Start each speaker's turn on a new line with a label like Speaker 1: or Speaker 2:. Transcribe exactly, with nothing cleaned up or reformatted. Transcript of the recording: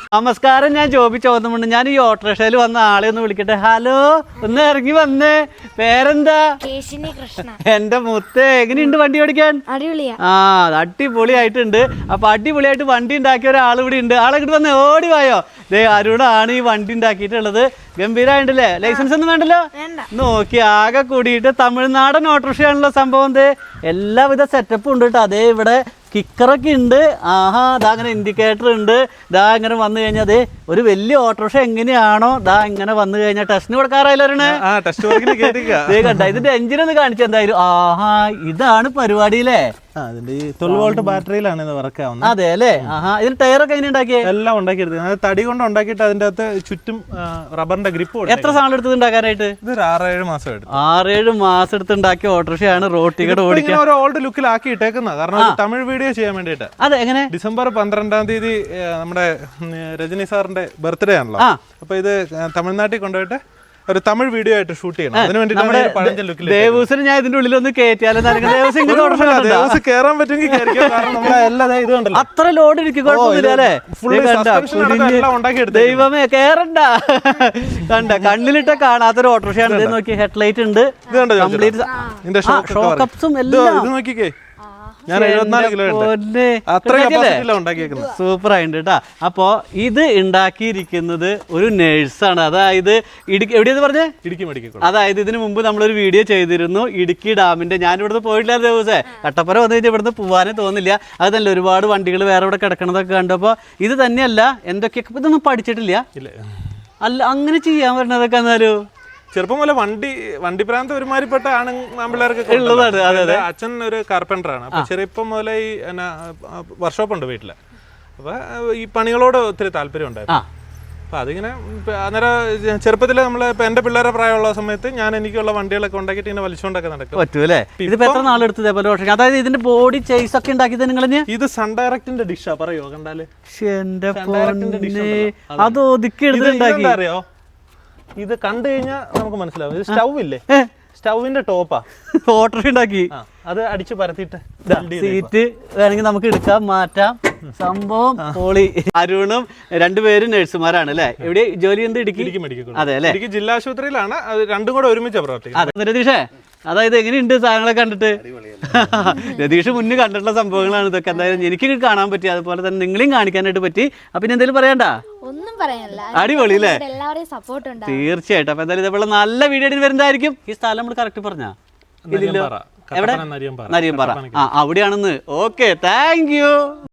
Speaker 1: നമസ്കാരം, ഞാൻ ജോബി ചോദ്യമുണ്ട്. ഞാൻ ഈ ഓട്ടോറിക്ഷയിൽ വന്ന ആളെ ഒന്ന് വിളിക്കട്ടെ. ഹലോ, ഒന്ന് ഇറങ്ങി വന്നേ. പേരെന്താ? എന്റെ മുത്തേ, എങ്ങനെയുണ്ട് വണ്ടി ഓടിക്കാൻ? ആ, അടിപൊളിയായിട്ടുണ്ട്. അപ്പൊ അടിപൊളിയായിട്ട് വണ്ടി ഉണ്ടാക്കിയ ഒരാൾ ഇവിടെ ഉണ്ട്. ആളെ ഇങ്ങോട്ട് വന്നേ, ഓടി വായോ. ദേ അരുണാണ് ഈ വണ്ടി ഉണ്ടാക്കിയിട്ടുള്ളത്. ഗംഭീരമായിട്ടല്ലേ? ലൈസൻസ് ഒന്നും വേണ്ടല്ലോ. നോക്കി ആകെ കൂടിയിട്ട് തമിഴ്നാടൻ ഓട്ടോറിക്ഷയാണല്ലോ സംഭവം. ദേ എല്ലാവിധ സെറ്റപ്പും ഉണ്ട് കേട്ടോ. അതേ ഇവിടെ കിക്കറൊക്കെ ഉണ്ട്. ആഹാ, ദാ അങ്ങനെ ഇൻഡിക്കേറ്റർ ഉണ്ട്. ദാ ഇങ്ങനെ വന്നു കഴിഞ്ഞാൽ അതെ ഒരു വലിയ ഓട്ടോറിക്ഷ എങ്ങനെയാണോ ദാ ഇങ്ങനെ വന്നു കഴിഞ്ഞാൽ ടെസ്റ്റിന് കൊടുക്കാറായില്ലേ? കണ്ട ഇതിന്റെ എഞ്ചിൻ ഒന്ന് കാണിച്ചു എന്തായാലും. ആഹാ, ഇതാണ് പരിപാടിയില്ലേ?
Speaker 2: ട്വൽവ് വോൾട്ട് ബാറ്ററിയിലാണ് ഇത് വർക്ക് ആവുന്നത്.
Speaker 1: അതെ അല്ലേ? ആഹാ, ഇതിന് ടയറൊക്കെ എങ്ങനെ ഉണ്ടാക്കിയേ?
Speaker 2: എല്ലാം ഉണ്ടാക്കിയെടുത്തത് തടി കൊണ്ട് ഉണ്ടാക്കിയിട്ട് അതിന്റെ അകത്ത് ചുറ്റും റബ്ബറിന്റെ ഗ്രിപ്പ്.
Speaker 1: എത്ര സാധനം എടുത്തത് ഉണ്ടാക്കാനായിട്ട്?
Speaker 2: ഇതൊരു ആറേഴ് മാസം എടുത്തു.
Speaker 1: ആറേഴ് മാസം എടുത്ത് ഉണ്ടാക്കിയ ഓട്ടോറിക്ഷയാണ് റോഡ് ടിക്കറ്റ് ഓടിക്കാൻ
Speaker 2: ഒരു ഓൾഡ് ലുക്കിലാക്കി ഇട്ടേക്കുന്നത്. കാരണം തമിഴ് വീഡിയോ ചെയ്യാൻ വേണ്ടിയിട്ട്.
Speaker 1: അതെ, എങ്ങനെ?
Speaker 2: ഡിസംബർ പന്ത്രണ്ടാം തീയതി നമ്മുടെ രജനി സാറിന്റെ ബർത്ത്ഡേ ആണല്ലോ. അപ്പൊ ഇത് തമിഴ്നാട്ടിൽ കൊണ്ടുപോയിട്ട് ഒരു തമിഴ് വീഡിയോ ആയിട്ട് ഷൂട്ട് ചെയ്യണം. അതിന് വേണ്ടിയിട്ട്
Speaker 1: ദേവൂസിന് ഞാൻ ഇതിന്റെ ഉള്ളിൽ ഒന്ന് കയറ്റിയാലും
Speaker 2: കേറാൻ പറ്റുമെങ്കിൽ
Speaker 1: അത്ര ലോഡ് ഇരിക്കും, കുഴപ്പമൊന്നുമില്ല. ദൈവമേ, കേറണ്ട. കണ്ട കണ്ണിലിട്ട കാണാത്തൊരു ഓട്ടോറിക്ഷയാണ്. നോക്കി, ഹെഡ്ലൈറ്റ് ഉണ്ട്, ഷോക്കപ്സും എല്ലാം.
Speaker 2: നോക്കിക്കേ, ഞാൻ എഴുപത്തിനാല് കിലോ
Speaker 1: സൂപ്പർ ആയിട്ടുണ്ട് കേട്ടാ. അപ്പോ ഇത് ഉണ്ടാക്കിയിരിക്കുന്നത് ഒരു നേഴ്സാണ്. അതായത് ഇടുക്കി എവിടെയെന്ന് പറഞ്ഞേ?
Speaker 2: ഇടുക്കി മെഡിക്കൽ.
Speaker 1: അതായത് ഇതിനു മുമ്പ് നമ്മളൊരു വീഡിയോ ചെയ്തിരുന്നു ഇടുക്കി ഡാമിന്റെ. ഞാൻ ഇവിടുന്ന് പോയിട്ടില്ലാത്ത ദിവസേ കട്ടപ്പന വന്നു കഴിഞ്ഞാൽ ഇവിടുന്ന് പോകാനേ തോന്നില്ല. അത് തന്നെ ഒരുപാട് വണ്ടികൾ വേറെ ഇവിടെ കിടക്കണതൊക്കെ കണ്ടപ്പോൾ ഇത് തന്നെയല്ല എന്തൊക്കെയൊക്കെ ഇതൊന്നും പഠിച്ചിട്ടില്ല. അല്ല, അങ്ങനെ ചെയ്യാൻ പറ്റുന്നതൊക്കെ എന്നാലും
Speaker 2: ചെറുപ്പം പോലെ വണ്ടി വണ്ടി പ്രാന്ത് ഒരുമാതിരിപ്പെട്ട ആണ് ആമ്പിള്ളേർക്ക്. അച്ഛൻ ഒരു കാർപ്പൻറ്റർ ആണ്. അപ്പൊ ചെറുപ്പം മുതലേ ഈ വർക്ക്ഷോപ്പ് ഉണ്ട് വീട്ടില്. അപ്പൊ ഈ പണികളോട് ഒത്തിരി താല്പര്യം ഉണ്ടായിരുന്നു. അപ്പൊ അതിങ്ങനെ അന്നേരം ചെറുപ്പത്തില് നമ്മള് ഇപ്പൊ എന്റെ പിള്ളേരെ പ്രായമുള്ള സമയത്ത് ഞാൻ എനിക്കുള്ള വണ്ടികളൊക്കെ ഉണ്ടാക്കിയിട്ട് ഇങ്ങനെ വലിച്ചുകൊണ്ടൊക്കെ നടക്കും.
Speaker 1: പറ്റൂല്ലേ? ഇതിപ്പോ എത്ര നാളെടുത്ത് ഇതേപോലെ? അതായത് ഇതിന്റെ ബോഡി ചേസ് ഒക്കെ ഉണ്ടാക്കിയത് നിങ്ങൾ?
Speaker 2: ഇത് സൺ ഡയറക്റ്റിന്റെ ഡിഷാ, പറയോ കണ്ടാല്?
Speaker 1: അത് ഒതുക്കി എടുത്തിട്ടുണ്ടാക്കി.
Speaker 2: അറിയോ, ഇത് കണ്ടു കഴിഞ്ഞാൽ നമുക്ക് മനസ്സിലാവും. ഇത് സ്റ്റൗ ഇല്ലേ, സ്റ്റൗവിന്റെ ടോപ്പാ
Speaker 1: ഓട്ടോറിക്ഷ ഉണ്ടാക്കി.
Speaker 2: അത് അടിച്ചു പരത്തിയിട്ട്
Speaker 1: സീറ്റ് വേണമെങ്കിൽ നമുക്ക് എടുക്കാം, മാറ്റാം. സംഭവം പൊളി. അരുണും രണ്ടുപേരും നഴ്സുമാരാണ് അല്ലേ? എവിടെ ജോലി? എന്ത്? ഇടുക്കി
Speaker 2: ഇടുക്കി മെഡിക്കൽ.
Speaker 1: അതെ അല്ലേ?
Speaker 2: ഇടുക്കി ജില്ലാ ആശുപത്രിയിലാണ്. അത് രണ്ടും കൂടെ ഒരുമിച്ച് പ്രവർത്തിക്കുന്നത്.
Speaker 1: അതെ രതീഷേ, അതായത് എങ്ങനെയുണ്ട് സാധനങ്ങളൊക്കെ കണ്ടിട്ട്? രതീഷ് മുന്നേ കണ്ടിട്ടുള്ള സംഭവങ്ങളാണ് ഇതൊക്കെ. എന്തായാലും എനിക്ക് കാണാൻ പറ്റി, അതുപോലെ തന്നെ നിങ്ങളെയും കാണിക്കാനായിട്ട് പറ്റി. അപ്പൊ ഇനി എന്തെങ്കിലും പറയണ്ട?
Speaker 3: ഒന്നും പറയാനില്ല.
Speaker 1: അടിപൊളി അല്ലേ?
Speaker 3: സപ്പോർട്ട്
Speaker 1: തീർച്ചയായിട്ടും. അപ്പൊ എന്തായാലും ഇതേപോലെ നല്ല വീഡിയോ വരുന്നതായിരിക്കും. ഈ സ്ഥലം നമ്മൾ കറക്റ്റ് പറഞ്ഞാ? ഇതില്ലോ എവിടെ? നരിയമ്പാറ. ആ, അവിടെയാണെന്ന്. Okay, thank you.